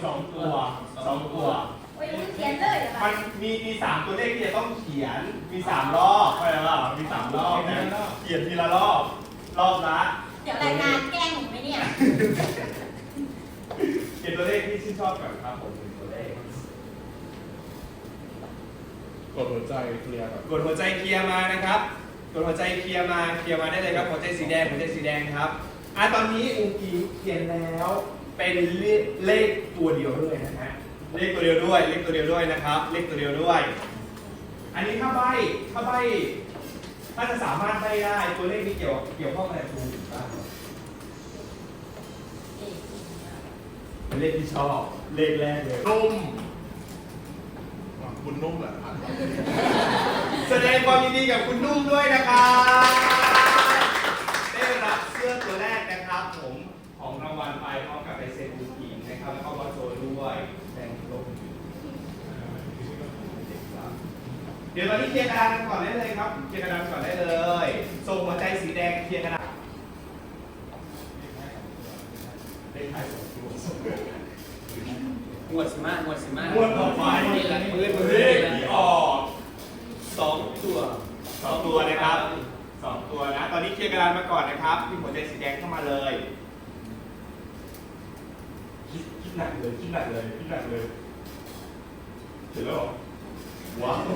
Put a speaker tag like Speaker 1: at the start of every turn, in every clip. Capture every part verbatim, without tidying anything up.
Speaker 1: สองตัวสองตัว
Speaker 2: โอ้ยเขียนเลยเหรอ
Speaker 1: มันมีมีสามตัวเลขที่จะต้องเขียนมีสามรอบใช่ไหมล่ะมีสามรอบนะเขียนทีละรอบรอบละ
Speaker 2: เดี๋ยวรายการแกล้งหนูไหมเนี่ย
Speaker 1: เขียนตัวเลขที่ชื่นชอบก่อนครับผมเป็นตัวเลข
Speaker 3: กดหัวใจเคลียร์ก่อน
Speaker 1: กดหัวใจเคลียร์มานะครับกดหัวใจเคลียร์มาเคลียร์มาได้เลยครับหัวใจสีแดงหัวใจสีแดงครับอ่ะตอนนี้อุ้งอิงเขียนแล้วเป็นเลขเลขตัวเดียวด้วยนะฮะเลขตัวเดียวด้วยเลขตัวเดียวด้วยนะครับเลขตัวเดียวด้วย อันนี้ถ้าใบถ้าใบถ้าจะสามารถใบได้ตัวเลขนี้เกี่ยวเกี่ยวข้องอะไรกับคุณบ้างเป็นเลขที่ชอบเลขแรกเลย
Speaker 3: นุ่มอ่ะคุณนุ่มแหละผ่านมา
Speaker 1: แสดงความยินดีกับคุณนุ่มด้วยนะครับได้รับเสื้อตัวแรกนะครับผมของรางวัลไปพร้อมกับลายเซ็นคุณอิงนะครับแล้วก็บอสโจด้วยแดงลงเดี๋ยวตอนนี้เคลียร์กระดานกันก่อนได้เลยครับเคลียร์กระดานก่อนได้เลยส่งหัวใจสีแดงเคลียร์กระดานเลขท้ายสองตัว
Speaker 4: งวดสิมางวดสิมาง
Speaker 1: วดต่อไป
Speaker 4: นี่แหละมือมือ
Speaker 1: เลขที่ออก
Speaker 4: สองตัว
Speaker 1: สองตัวนะครับสองตัวนะตอนนี้เคลียร์กระดานมาก่อนนะครับพี่หัวใจสีแดงเข้ามาเลยคิดคิดหนักเลยคิดหนักเลยคิดหนักเลยเสร็จแล้วเหรอว้าว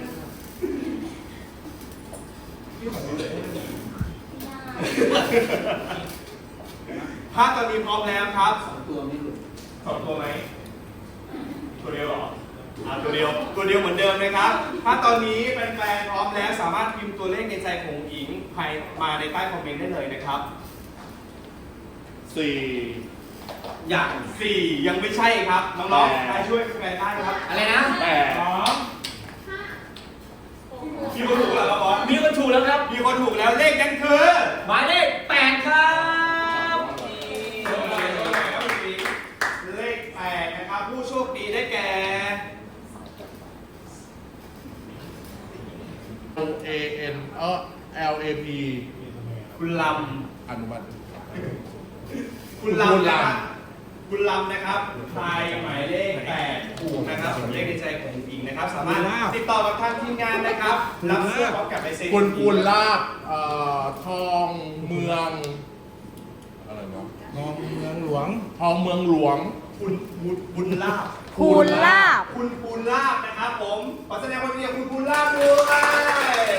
Speaker 1: พี่ขอดูเลยภาพตอนนี้พร้อมแล้วครับ
Speaker 4: สองตัวไม่หลุด
Speaker 1: สองตัวไหมตัวเดียวเหรออ่าตัวเดียวตัวเดียวเหมือนเดิมนะครับถ้าตอนนี้แฟนๆพร้อมแล้วสามารถพิมพ์ตัวเลขในใจของหญิงภายมาในใต้คอมเมนต์ได้เลยนะครับ
Speaker 3: สี่
Speaker 1: อย่างสี่ยังไม่ใช่ครับน้องๆใครช่วยแฟนได้ครับ
Speaker 4: อะไรนะ
Speaker 3: แปด
Speaker 1: สองคิดว่าถูกแล้วครับบอส
Speaker 4: มีคนถูกแล้วครับ
Speaker 1: มีคนถูกแล้วเลขนั้นคือ
Speaker 4: หมายเลขแปดครับ
Speaker 1: เลขแปดนะครับผู้โชคดีได้แก่
Speaker 3: เอเอ็นเออ L A P
Speaker 1: คุณล
Speaker 3: อนุมัติ
Speaker 1: ำคุณลำนะครับคุณลำนะครับทายหมายเลขแปดถูกนะครับส่วนเลขในใจของหญิงนะครับ สามารถติดต่อกับทางทีมงานนะครับรับเสื้อพร้อมกับลายเซ็น
Speaker 3: คุณปูนลาบเอ่อทองเมืองอะไรเนาะ
Speaker 5: ทองเมืองหลวง
Speaker 3: ทองเมืองหลวง
Speaker 1: คุณบุญบุญลาบ
Speaker 2: คูณลาบ
Speaker 1: คุณปูนลาบนะครับผมขอแสดงความยินดีกับคุณปูนลาบด้วย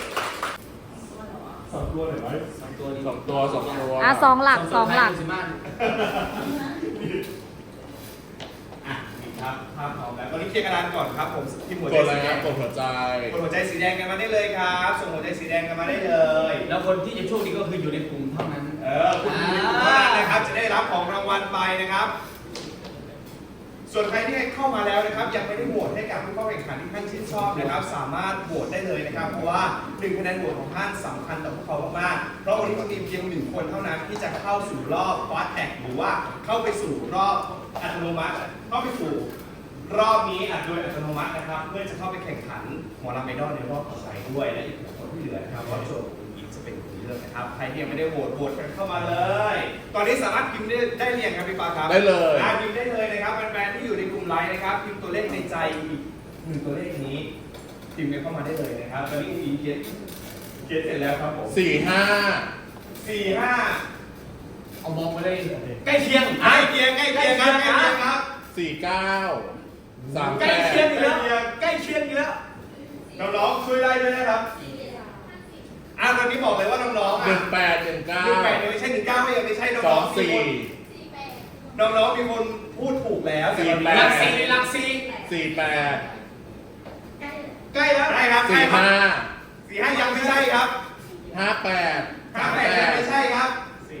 Speaker 1: สองตัวหน่อยไหม
Speaker 4: สองตัวดี
Speaker 3: สองตัวสองตัว
Speaker 2: อ่ะสองหลักสองหลัก
Speaker 4: สิมา
Speaker 1: อ่ะนี่ครับภาพพร้อมแล้วตอนนี้เคลียร์กระดานก่อนครับผมทีมหัว
Speaker 3: ก
Speaker 1: ใจ
Speaker 3: ดอะไร
Speaker 1: สีแด
Speaker 3: นะ
Speaker 1: ง
Speaker 3: กดหัวใจ
Speaker 1: กดหัวใจสีแดงกันมาได้เลยครับส่งหัวใจสีแดงกันมาได้เลย
Speaker 4: แล้วคนที่จะโชคดีก็คืออยู่ในกลุ่มเท่านั้น
Speaker 1: เออคุณผู้ชมเท่านั้นนะครับจะได้รับของรางวัลไปนะครับ ส่วนใครที่เข้ามาแล้วนะครับยังไม่ได้โหวตให้กับผู้เข้าแข่งขันที่ท่านชื่นชอบนะครับ สามารถโหวตได้เลยนะครับเพราะว่าหนึ่งคะแนนโหวตของท่านสำคัญต่อพวกเขามากๆเพราะวันนี้เรามีเพียงหนึ่งคนเท่านั้นที่จะเข้าสู่รอบฟาสแท็กหรือว่าเข้าไปสู่รอบอัตโนมัติเข้าไปสู่รอบนี้อัดโดยอัตโนมัตินะครับ เพื่อจะเข้าไปแข่งขันหมอลำไอดอลในรอบต่อไปด้วยและอีกหกคนที่เหลือนะครับก็โชว์อีกจะเป็นคนเลือกนะครับใครที่ยังไม่ได้โหวตโหวตกันเข้ามาเลย ตอนนี้สามารถพิมพ์ได้ได้เรียงครับพี่ปาครับ
Speaker 3: ได้เลย
Speaker 1: อ่าพิมพ์ได้เลยนะครับแฟนๆที่อยู่ในกลุ่มไลน์นะครับพิมพ์ตัวเลขในใจอีกหนึ่งตัวเลขนี้พิมพ์กันเข้ามาได้เลยนะครับตอนนี้อีเขียนเขียนเสร็จแล้วครับผม
Speaker 3: สี่ห้า
Speaker 1: สี่ห้า
Speaker 4: เอามองไปเลยใกล้เคียง
Speaker 1: ใกล้เคียงใกล้เคียงครับใกล้เคียงครับ
Speaker 3: สี่เก้าสาม
Speaker 4: ใก
Speaker 3: แป
Speaker 4: ล้
Speaker 3: ด
Speaker 4: เคียงอีกแล้วใกล้เคียงอีกแล้ว
Speaker 1: น้องๆช่วยได้ด้วยนะครับอ่าตอนนี้บอกเลยว่าน้องๆ
Speaker 3: ห
Speaker 1: อ่ะ
Speaker 3: นึ่งแปดหนึ่งเก้า
Speaker 1: หนึ่งแปดยังไม่ใช่หนึ่งเก้าก็ยังไม่ใช่น้
Speaker 3: สอ
Speaker 1: อง งๆมี
Speaker 3: สี่
Speaker 1: คนน้องๆมีคนพูดถูกแล้ว
Speaker 3: สี่
Speaker 1: แต่
Speaker 3: แป
Speaker 4: หลั
Speaker 3: ด
Speaker 4: กสี่หลักสี่
Speaker 3: สี่แปด
Speaker 1: ใกล้แล้วใช่ครับใกล้
Speaker 3: สี่
Speaker 1: ครับ
Speaker 3: ห้า
Speaker 1: สี่ห้ายังไม่ใช่ครับ
Speaker 3: ห้าแปด
Speaker 1: ห้าแปดยังไม่ใช่ครับ
Speaker 3: สี่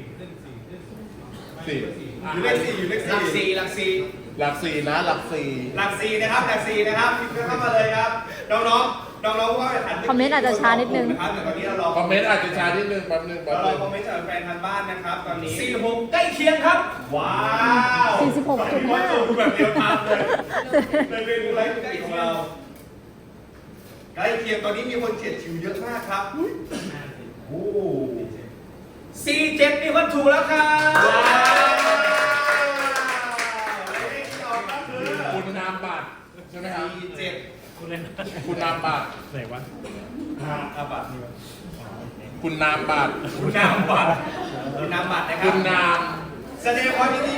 Speaker 1: อยู่เลขสี่อยู่เลข
Speaker 4: หลัก
Speaker 1: สี่
Speaker 4: สี่หลักสี่
Speaker 3: หลักสี่นะหลักสี่
Speaker 1: หลักสี่นะครับหลักสี่นะครับพิมพ์เข้ามาเลยครับน้องๆน้องๆผู้เข้าแข่งขัน
Speaker 2: คอมเมนต์อาจจะช้านิดนึง
Speaker 1: นะครับแต่ตอนนี้เรารอ
Speaker 3: คอมเมนต์อาจจะช้านิดนึงแป๊บนึงแป๊
Speaker 1: เรา
Speaker 3: บ
Speaker 1: รอ
Speaker 3: นึง
Speaker 1: คอมเมนต์จากแฟนทางบ้านนะครับตอนนี้
Speaker 4: สี่หกใกล้เคียงครับ
Speaker 1: ว้าว
Speaker 2: สี่สิบหกจุดห้า
Speaker 1: แบบเดียวกันเลยในเมนูไลฟ์ของเราใกล้เคียงตอนนี้มีคนเฉียดฉิวเยอะมากครับโอ้
Speaker 4: สี่เจ็ดมีคนถูกแล้วครับ
Speaker 1: ว้าวเลขที่อก็คือ
Speaker 3: คุณนามบัตรใช่ไหมครับ
Speaker 1: สี่เจ็ด
Speaker 3: คุณนามบัตร
Speaker 5: ไหนวะ
Speaker 1: อ่าอาบัตร
Speaker 3: คุณนามบัตร
Speaker 1: คุณนามบัตรคุณนามบัตรนะครั
Speaker 3: คุ
Speaker 1: บ
Speaker 3: ณนาม
Speaker 1: แสดงความยินดี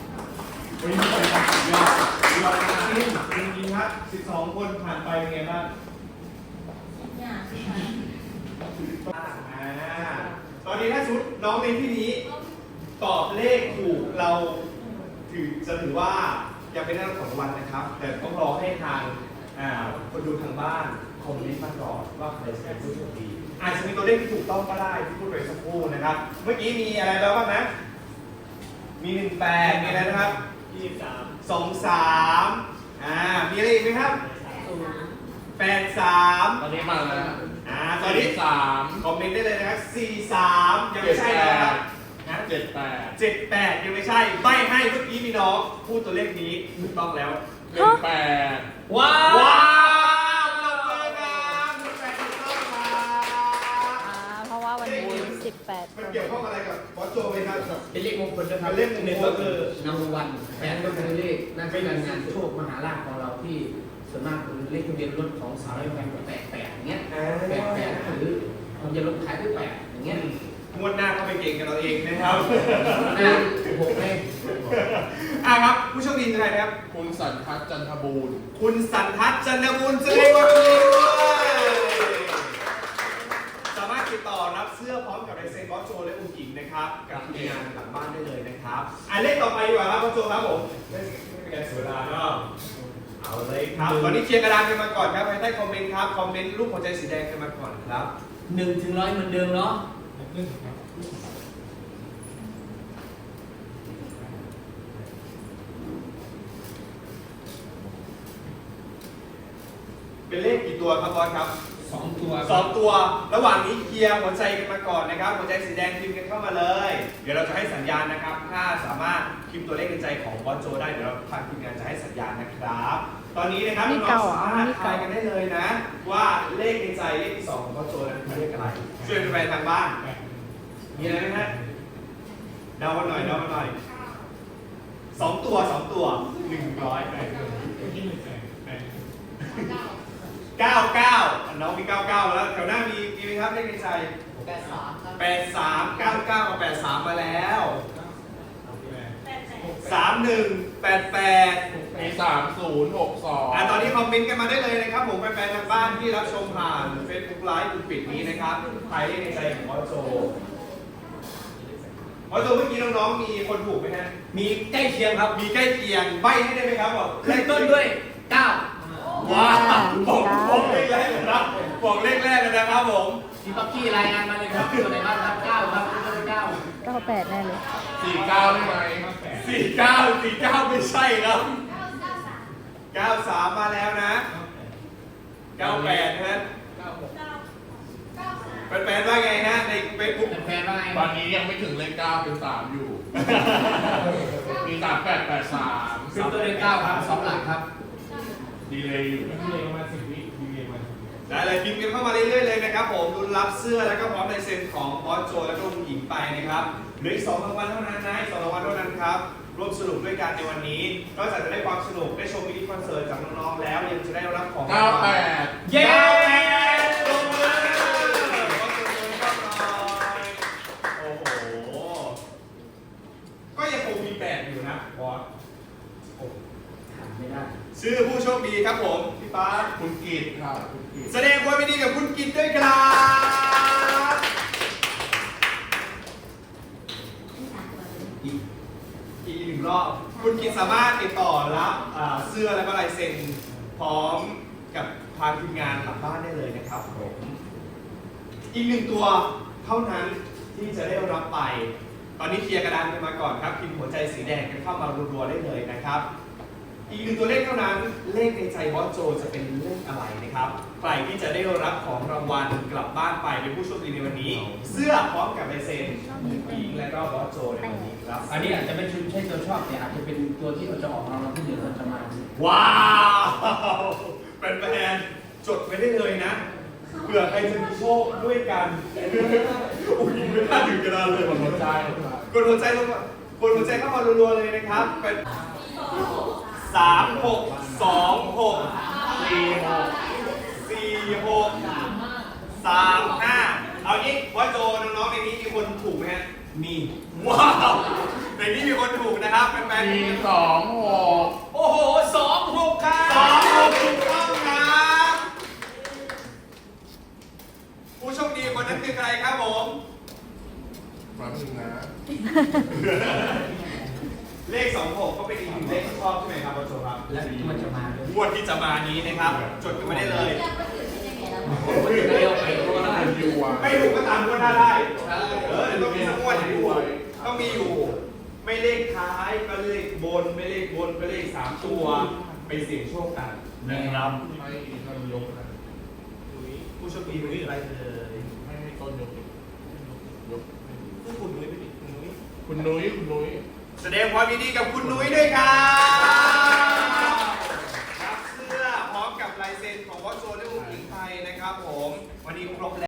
Speaker 1: ยอดยอดจริงจริงๆครับสิบสองคนผ่านไปเป็นไงบ้างอ่าตอนนี้ถ้าชุดน้องในที่นี้ ตอบเลขถูกเราถือจะถือว่ายังเป็นเรื่องของรางวัลนะครับ แต่ต้องรอให้ทางอ่าคนดูทางบ้านคอมเมนต์มาก่อนว่าใครจะเป็นผู้โชคดีอาจจะมีตัวเลขที่ถูกต้องก็ได้ที่พูดไปสักครู่นะครับ เมื่อกี้มีอะไรแล้วบ้างนะ มีหนึ่งแปดมีอะไรนะครับยี่สิบสามสองสามอ่ามีอะไรอีกไหมครับแปดสาม
Speaker 3: ตอนนี้มาแล้ว
Speaker 1: อ่าตอนนี้
Speaker 3: สาม
Speaker 1: คอมเมนต์ได้เลยนะครับสี่สามยังไม่ใช่นะครับนะ
Speaker 3: เจ็ดแปด
Speaker 1: เจ็ดแปดยังไม่ใช่ใบให้เมื่อกี้มีน้องพูดตัวเลขนี้ถูกต้องแล้ว
Speaker 3: หนึ่งแปด
Speaker 4: ว้าว
Speaker 1: ว้าวปรบมือครับหนึ่งแปดถูกต้องครับ
Speaker 2: อ่า เพราะว่าวันนี้สิบแปด
Speaker 1: มันเกี่ยวข้องอะไรกับบอสโจไหมครับ
Speaker 6: เป็นเลขมงคลนะครับ
Speaker 1: เป็นเลขมงคล
Speaker 6: หนึ่งก็คือนำวันแปดก็คือเลขหนั่นเป็นการงานโชคมหาลาภของเราที่ส่วนมากคือเลขทะเบียนรถของสาวร้อยแปดแปดแปดอย่างเงี้ยแปดแปดหรือทะเบียนรถขายด้วยแปดอย่างเงี้ย
Speaker 1: งวดหน้าก็ไปเก่งกันเราเองนะครับ
Speaker 6: นั่นหกเลข
Speaker 1: อ่ะครับผู้โชคดีคือใครนะครับ
Speaker 3: คุณสันทัศน์จันทบูรณ์
Speaker 1: คุณสันทัศน์จันทบุญแสดงความยินดีด้วยสามารถติดต่อรับเสื้อพร้อมกับลายเซ็นบอสโจและอุ้งอิงนะครับกับทีมงานหลังบ้านได้เลยนะครับอ่ะเลขต่อไปดีกว่าครับบอสโจครับผมไม่เป็นการเสียเวลาเนาะเอาเลยครับตอนนี้เคลียร์กระดานกันมาก่อนครับภายใต้คอมเมนต์ครับคอมเมนต์รูปหัวใจสีแดงกันมาก่อนครับ
Speaker 6: หนึ่งถึงร้อยเหมือนเดิมเนาะ
Speaker 1: เป็นเลขกี่ตัวครับบอสครับ
Speaker 6: สองตัว
Speaker 1: สองตัว ระหว่างนี้เคลียร์หัวใจกันมาก่อนนะครับ หัวใจสีแดงพิมพ์กันเข้ามาเลย เดี๋ยวเราจะให้สัญญาณนะครับ ถ้าสามารถพิมพ์ตัวเลขในใจของบอสโจได้ เดี๋ยวเราทางทีมงานจะให้สัญญาณนะครับ ตอนนี้นะครับ
Speaker 2: นี่
Speaker 1: น้อ
Speaker 2: เก่าง
Speaker 1: ๆ
Speaker 2: เหรอ
Speaker 1: สามารถ
Speaker 2: นี่
Speaker 1: ทา
Speaker 2: เก่า
Speaker 1: ยกันได้เลยนะ ว่าเลขในใจเลขที่สองของบอสโจนั้นคือเลขอะไร ช่วยเป็นแฟนทางบ้าน มีอะไรไหมฮะเดากันหน่อยเดากันหน่อยสองตัวสองตัวหนึ่งร้อยไปเก้าเก้าน้องมีเก้าเก้าแล้วแถวหน้ามีมีไหมครับเลขในใจ
Speaker 6: แปดสามครับ
Speaker 1: แปดสามเก้าเก้ากับแปดสามมาแล้วสามหนึ่งแปดแปด
Speaker 3: มีสามศูนย์หกสอง
Speaker 1: อ่ะตอนนี้คอมเมนต์กันมาได้เลยนะครับผมแฟนๆทางบ้านที่รับชมผ่าน Facebook Live กลุ่มปิดนี้นะครับใครเลขในใจของบอสโจบอสโจเมื่อกี้น้องๆมีคนถูกไหมฮะ
Speaker 4: มีใกล้เคียงครับ
Speaker 1: มีใกล้เคียงใบให้ได้ไหมครับบอก
Speaker 4: ขึ้นต้นด้วยเก้า
Speaker 1: ว้าวบอกบอกเลขแรกเลยนะบอกเลขแรกเลยนะครับผม
Speaker 6: พี่ป๊อกกี้รายงานมาเลยครับตัวไหนบ้างครับเก้าครับตัวไหนเก้า
Speaker 2: เก้าแปดแน่เลย
Speaker 3: สี่เก้าได้ไหม
Speaker 1: สี่เก้าสี่เก้าไม่ใช่ครับเก้าสามมาแล้วนะเก้าแปดนะแฟนๆว่าไงฮะในเฟซบุ๊ก
Speaker 6: แฟนว่าไง
Speaker 3: ตอนนี้ยังไม่ถึงเลขเก้าเป็นสามอยู่ มีสามแปดแปดสาม
Speaker 6: ขึ้นตัวเลขเก้าครับสองหลักครับ
Speaker 3: ดีเลยอยู่
Speaker 1: ได้เลยพิมพ์กันเข้ามาเรื่อยๆเลยนะครับผมรุ้นรับเสื้อแล้วก็พร้อมลายเซ็นของบอสโจและก็คุณหญิงไปนะครับเหลืออีกสองรางวัลเท่านั้นนะอีกสองรางวัลเท่านั้นครับร่วมสนุกด้วยกันในวันนี้นอกจากจะได้ความสนุกได้ชมมินิคอนเสิร์ตจากน้องๆแล้วยังจะได้รับของ
Speaker 3: เก้าแปด
Speaker 4: เย้
Speaker 1: เก้าแปดตบมือโอ้โหก็ยังคงมีแปดอยู่นะบอส
Speaker 6: ไม่ได้
Speaker 1: ชื่อผู้โชคดีครับผมพี่ฟ้า
Speaker 3: คุณกีดครับคุณกีด
Speaker 1: แสดงความยินดีกับคุณกิตด้วยครับ อีกอีกหนึ่งรอบ คุณกิตสามารถติดต่อรับอ่าเสื้อและก็ลายเซ็นพร้อมกับทางทีมงานหลังบ้านได้เลยนะครับผม อีกหนึ่งตัวเท่านั้นที่จะได้รับไป ตอนนี้เคลียร์กระดานกันมาก่อนครับพิมพ์หัวใจสีแดงกันเข้ามารัวๆได้เลยนะครับ อีกหนึ่งตัวเลขเท่านั้นเลขในใจบอสโจจะเป็นเลขอะไรนะครับใครที่จะได้รับของรางวัลกลับบ้านไปเป็นผู้โชคดีในวันนี้ เสื้อพร้อมกับลายเซ็นหญิงและก็บอสโจในวันนี้ครับ
Speaker 6: อันนี้อาจจะไม่ใช่ตัวชอบแต่อาจจะเป็นตัวที่เราจะออกรางวัลที่หนึ่งเราจะมา
Speaker 1: ว้าวเป็นแฟนๆจดไว้ได้เลยนะเผื่อใครจะมีโชคด้วยกันอุ้ยไม่น่าถึงกระดานเลย
Speaker 3: คนหัวใจ
Speaker 1: กดหัวใจลงมากดหัวใจเข้ามารัวๆเลยนะครับเป็นสสามหกสองหกสี่หกสี่หกสามห้าเอางี้ว่าโจน้องๆในนี้มีคนถูกไหมฮะมีว้าวในนี้มีคนถูกนะครับแฟน
Speaker 3: สี่สองหก
Speaker 4: โอ้โหสองหกครั
Speaker 1: ๆสอง
Speaker 4: บ
Speaker 1: หกถูกต้องครับผู้โชคดีคนนั้นคือใครครับผม
Speaker 3: แป๊บนึงนะ
Speaker 1: เลขสองหกก็เป็นอีกหนึ่งเลขที่ชอบใช่ไหมครับว่าโจครับ
Speaker 6: และมันจะมาด้วย
Speaker 1: งวดที่จะมานี้นะครับ จดกันไม่ได้เลย
Speaker 6: ไม่ได้เอาไปเพราะว่า
Speaker 3: เป็นยูอ่ะ
Speaker 1: ไม่ถูกก็ตามงวดหน้าได้
Speaker 6: ใช่
Speaker 1: เออต้องมีสักงวดอยู่ต้องมีอยู่ ไม่เลขท้ายก็เลขบน ไม่เลขบนก็เลขสามตัว ไปเสี่ยงโชคกันนะครับ
Speaker 3: ให้ต้นยกนะ
Speaker 1: ผู้โชคดีเป็นใครเลย
Speaker 3: ให้ต้นยกยก
Speaker 1: คุณนุ้ยไม่ผิดคุณนุ้ย
Speaker 3: คุณนุ้ยคุณนุ้ย
Speaker 1: แสดงความยินดีกับคุณนุ้ยด้วยครับรับเสื้อพร้อมกับลายเซ็นของวอชโซและอุ๋งอิงไทยนะครับผม วันนี้ครบแล้ว